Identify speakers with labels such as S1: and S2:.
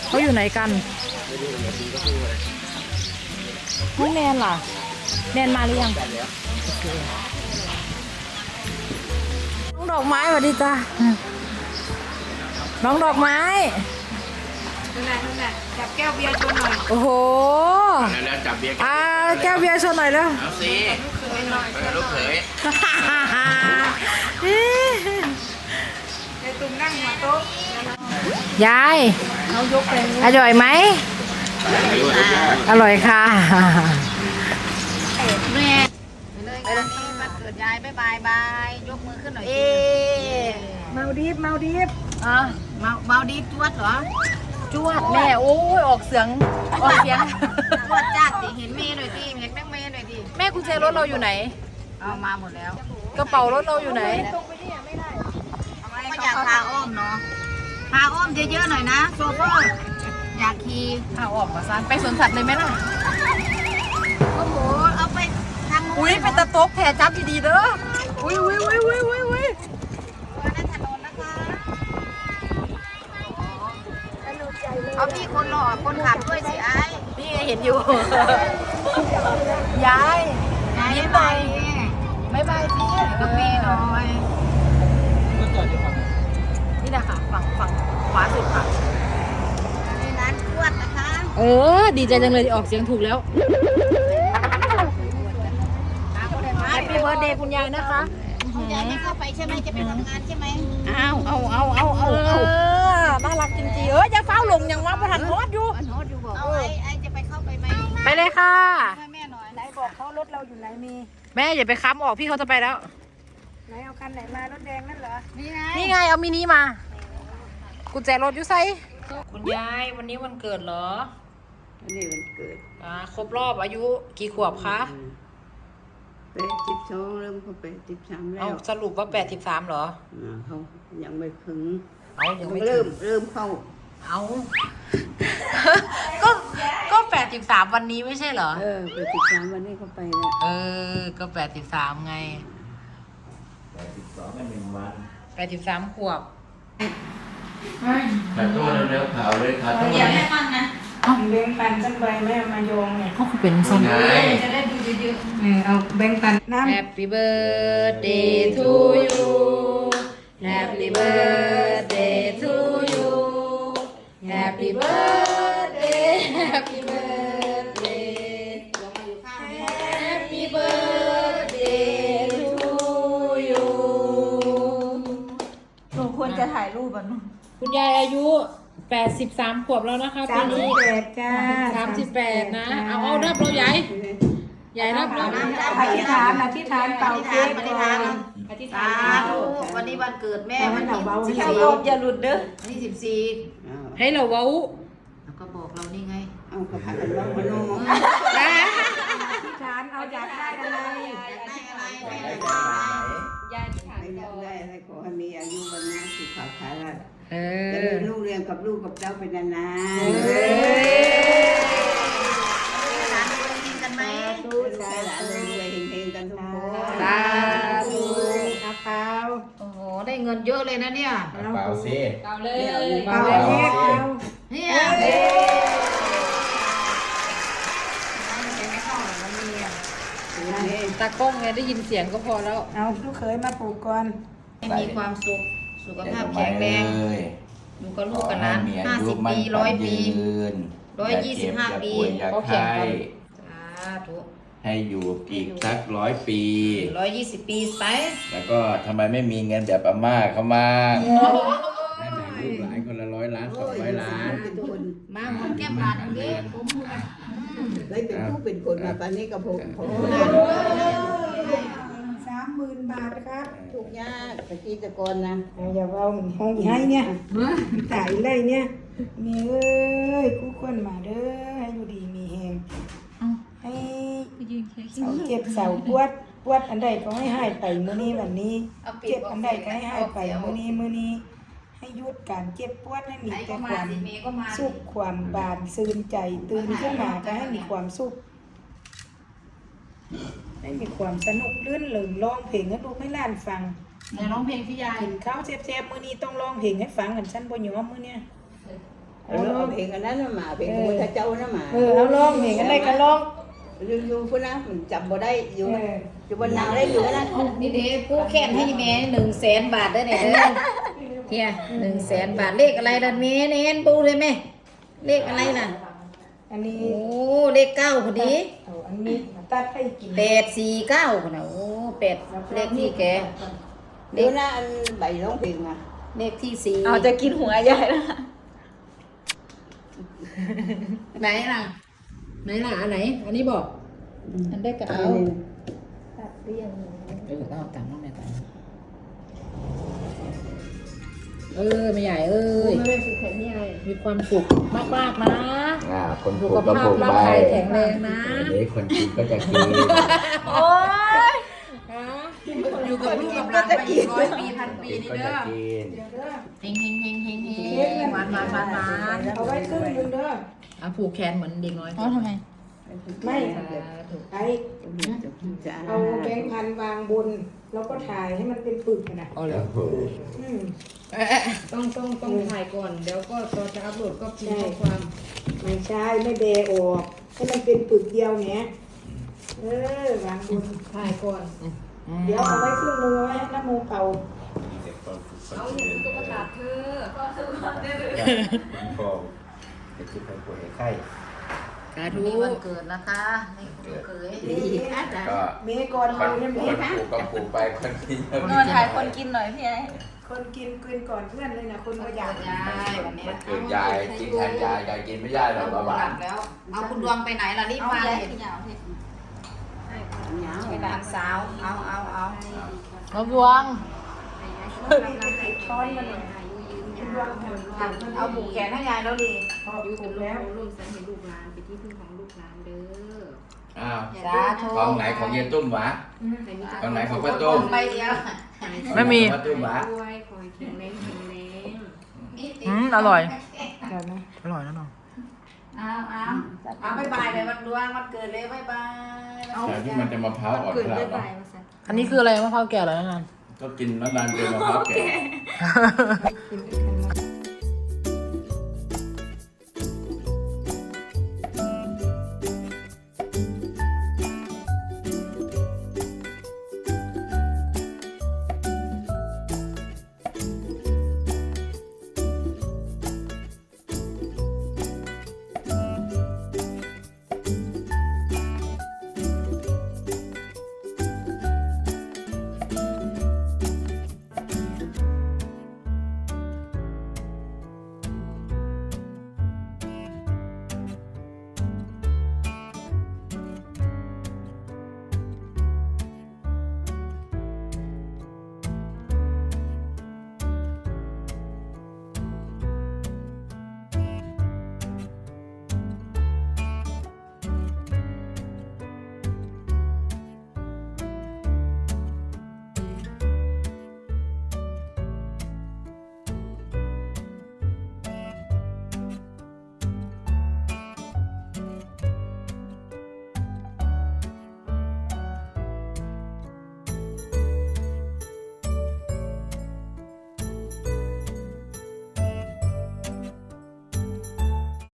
S1: เขาอยู่ไหนกันไม่แนนล่ะแนนมาหรือยังน้องดอกไม้สวัสดีจ้าน้องดอกไม้
S2: นั่นแหละจับแก้วเบียร์ชนหน่อย
S1: โอ้โห
S3: แล้วจับเบียร์
S1: แก้วเบียร์ชนหน่อยแล้ว
S3: เอาสิลูกเขย
S2: ไอ้ตุ้มนั่งหัวโต๊ะ
S1: ยาย
S2: เขายกไป
S1: อร่อยไหมอร่อยค่ะ
S4: แม่ไปเลยงานนี้วันเกิดยายบายบายยกมือขึ้นหน่อย
S2: เมาดีฟ
S4: เมาดีจวดเหรอ
S1: จวดแม่โอ้ยออกเสียง
S4: จวดจ้าติเห็นเมย์หน่อยดิเห็นแม่เมย์หน่อยดิ
S1: แม่กุญแจรถเราอยู่ไหน
S4: เอามาหมดแล้ว
S1: กระเป๋ารถเราอยู่ไหน
S4: ก็อยากพาอ้อมเนาะพาอ้อมเยอะๆหน่อยนะโซเฟอร์อยากขี่
S1: พาออกมาซะไปสวนสัตว์เลยไหมล่ะ
S4: โอ้โหเอาไปทาง
S1: อุ้ยเป็นตะโต๊กแผลจับดีๆเด้ออุ้ย
S4: นั่นถนนนะคะเอาพี่คนหล่อคนขับด้วยสิไอ้
S1: นี่เห็นอยู่ยาย
S4: ยิ้มไป
S1: ไม่ไปสิ
S4: กับพี่หน่อย
S1: นี่นะคะฝั่งขวาสุดค่ะ
S4: นี่ร้านจวดนะคะ
S1: ดีใจจังเลยที่ออกเสียงถูกแล้วแฮปปี้เบิร์ธเดย์คุณยายนะคะ
S4: คุณยายไม่เข้าไปใช่ไหมจะไปทำงานใช่ไหม
S1: เอาน่ารักจริงๆอย่าเฝ้าหลงอย่างว่าประธานโทษอยู่
S4: บอกเอาไอ้จะไปเข้าไปไหม
S1: ไปเลยค่ะ
S4: ให้แม่หน่อย
S2: ไหนบอกเขารถเราอยู่ไหนมี
S1: แม่อย่าไปค้ำออกพี่เขาจะไปแล้ว
S2: ไหนเอาคันไหนมารถแดงนั่นเหรอ
S1: นี่ไงเอามินิมากุญแจรถอยู่ไซคุณยายวันนี้วันเกิดเหรอ
S5: วันนี้วันเกิด
S1: ครบรอบอายุกี่ขวบคะ
S5: 82เริ่มเข้าไป13แล้ว
S1: สรุปว่า83เหรอ
S5: เขายังไม่ถึง
S1: ยังไม่
S5: เริ่มเข้า
S1: ก็83วันนี้ไม่ใช่เหรอ
S5: 83วันนี้เขาไปแล้ว
S1: ก็83ไง
S3: 82กัน1วัน
S1: 83ขวบ
S3: ขาตู้เร็วๆข่าวเลยขาตู้
S4: อย่าให้ฟังนะ
S2: แบงค์ปันสักใบแม่มาโยงเนี่ย
S1: ก็คือเป็นส้ม
S4: จะได้ดูเยอะ
S2: ๆเอาแบงค์ปันน้ำ
S1: Happy birthday to you Happy birthday to you Happy birthday Happy birthday Happy birthday to you
S4: หนูควรจะถ่ายรูปอ่ะ
S1: คุณยายอายุ83ขวบแล้วนะคะปีนี้
S2: 38จ้า
S1: 38นะเอานับเราใหญ่นับเรา
S2: อธิษฐานเป่าเค้กอธิษฐาน
S4: วันนี้วันเกิดแม่วันที่
S2: อย่าหลุดเด้อ
S4: วันที่14
S1: ให้เราเว้า
S4: แล้วก็บอกเรานี่ไง
S5: เอากระถางเราพนม
S2: อธิษฐานเอาอยากได้อะไร
S5: ยายอธิษฐานได้อะไรขอให้มีอายุวันนะสุขภาพจะมีลูกเรียนกับลูกกับเจ้าเป็นนาน
S4: หลานรวยกันไหม
S5: ใช่หลานรวยเฮงๆกันทุกคน
S1: สาธุ
S2: กระเป๋า
S4: โอ้โหได้เงินเยอะเลยนะเนี่ย
S3: เปล่าสิ
S1: เปล่าเลย
S2: เปล่าเลย
S4: เนี่ย
S1: ตากล้องไงได้ยินเสียงก็พอแล้ว
S2: เอาลูกเขยมาปลูกก่อน
S4: มีความสุขสุขภาพแข็งแรงอยู่กับลูกกับหลาน50 ปี100 ปี125 ปี
S3: เขาแข็งกัน
S4: สาธุ
S3: ให้อยู่อีกสัก100 ปี
S4: 120 ปีไป
S3: แล้วก็ทำไมไม่มีเงินแบบอาม่าเขามาให้แบ่งลูกหลานคนละ100 ล้าน200 ล้าน
S4: มาหอมแก้มหลานอย่างนี้
S5: ได้เป็นผู้เป็นคนมาตอนนี้กับผม
S2: 30,000 บาทครับ
S5: ทุกยากตะกี้ตะกอนนะ
S2: อย่าเอาห้องให้เนี่ยตายเลยเนี่ยมีเอ้ยกู้คนมาเด้อให้อยู่ดีมีแหงให้เสาเจ็บเสาปวดอันใดก็ให้หายไปมื้อนี้วันนี้เจ็บอันใดก็ให้หายไปมื้อนี้ให้หยุดการเจ็บปวดให้มีแต่ความสุขความบานซื่นใจตื่นขึ้นมาก็ให้มีความสุขให้มีความสนุกลื่นเริงร้องเพลงให้ลูกให้หลานฟัง
S4: ร้องเพลงพี่ยาย
S2: กินข้าวแซ่บๆมื้อนี้ต้องร้องเพลงให้ฟังกันฉันบ่ยอมมื้อเนี้ย
S5: เอาเพลงอันนั้นมาเพลงพระพุทธเจ้านะมา
S2: เอาร้องเพลงอะไรก็ร้อง
S5: อยู่พุ่นนะมันจำบ่ได้อยู่อยู่บนนางได้อยู่นะ
S4: นี่เด้ผู้แค้นให้แม่100,000 บาทได้เนี่ยเด้อเฮีย100,000 บาทเลขอะไรล่ะแม่เน้นปูเลยแม่เลขอะไรล่ะ
S2: อันนี้
S4: โอ้เลข9พอดี
S2: อันนี้ตัดให้กิน
S4: 849พุ่นน่ะโอ้8เลขที่แก
S5: เดี๋ยวนะอันใบร้องเพลงมา
S4: เลขที่4
S1: เอาจะกินหัวใหญ่แล้ว
S4: ไหนล่ะอันไหนอันนี้บอกอันได้ก็เอาเอาตามน้องแม่ตามไม่ใหญ่มีความสุขมากๆนะ
S3: คนป
S4: สุ
S3: ลู
S4: ข
S3: กก็
S4: ภา
S3: ปลู
S4: พ
S3: ก
S4: ร่าง
S3: ไป
S4: กายแข็งแรงนะ
S3: เดี๋ยวคนกินก็จะกิน
S1: โอ้ยอยู่กับลูกกับหลานไปอีก100 ปีพันปี
S3: กิน
S1: นี่
S3: ก็
S1: เด้
S3: จะ
S1: อ
S3: กิน
S1: เฮงหวาน
S2: เอาไว้ครึ่งนึงเด้อ
S4: เอาผูกแขนเหมือนเด็กน้อย
S1: อ๋อทำไม
S2: ไม่ไอ้เอาแบงค์พันวางบน แล้วก็ถ่ายให้มันเป็นปึกนะ
S3: โอ้โห
S4: ต้องถ่ายก่อนเดี๋ยวก็ตอนจะอัพโหลดก็พิมพ์ข้อความ
S2: ไม่ใช่ไม่เดออกให้มันเป็นปึกเดียวเนี้ยวางบน
S4: ถ่ายก่อน
S2: เดี๋ยวเอาไว้ครึ่งนึงเอาไว้ให้น้ำมูกเป่า
S4: เอาเห็นตุ๊กตาเธอ
S3: พ่อจะคิดไปป่วยไข้
S4: สาธุวันเกิดนะคะนี่คุณเคย
S3: ก็
S2: เมย์ก่อน
S3: คน
S2: เลย
S3: ป
S2: นะ
S3: ลูกก็ปลูกไปคนกินก็
S1: นอนถ่ายคนกินหน่อยพี่ไอ้
S2: คนกินก่อนเพื่อนเลยนะคนก็อยาก
S4: ยายวันนี้
S3: มันเกิดยายกินแทนยายกินไม่ได้หรอกเบาหวาน
S4: แล้วเอาคุณดวงไปไหนล่ะรีบมาเลย ไปหลานสาวเอา
S1: เอาดวง
S2: ช้อนมาหน่อย
S4: เอาผูกแขนให้ยายแล้วดิ
S2: อยู่ถูกแล้ว
S3: อ้าว
S4: สาธุ
S3: ของไหนของเย็นตุ้มวะของไหนของป้าตุ้ม
S4: ไปเดียว
S1: ไม่มี
S3: ป้าตุ้มวะ
S1: อร่อย
S2: เดี๋ยวนะ
S1: อร่อยนะน้อง
S4: เอาบ๊ายบายเลยวันดวงวันเกิดเลยบ๊ายบาย
S3: แต่ที่มันจะมะพร้าวอ่อนขนาดนั้น
S1: อันนี้คืออะไรมะพร้าวแก่เหรอนั่น
S3: ก็กินนานๆเป็นมะพร้าวแก่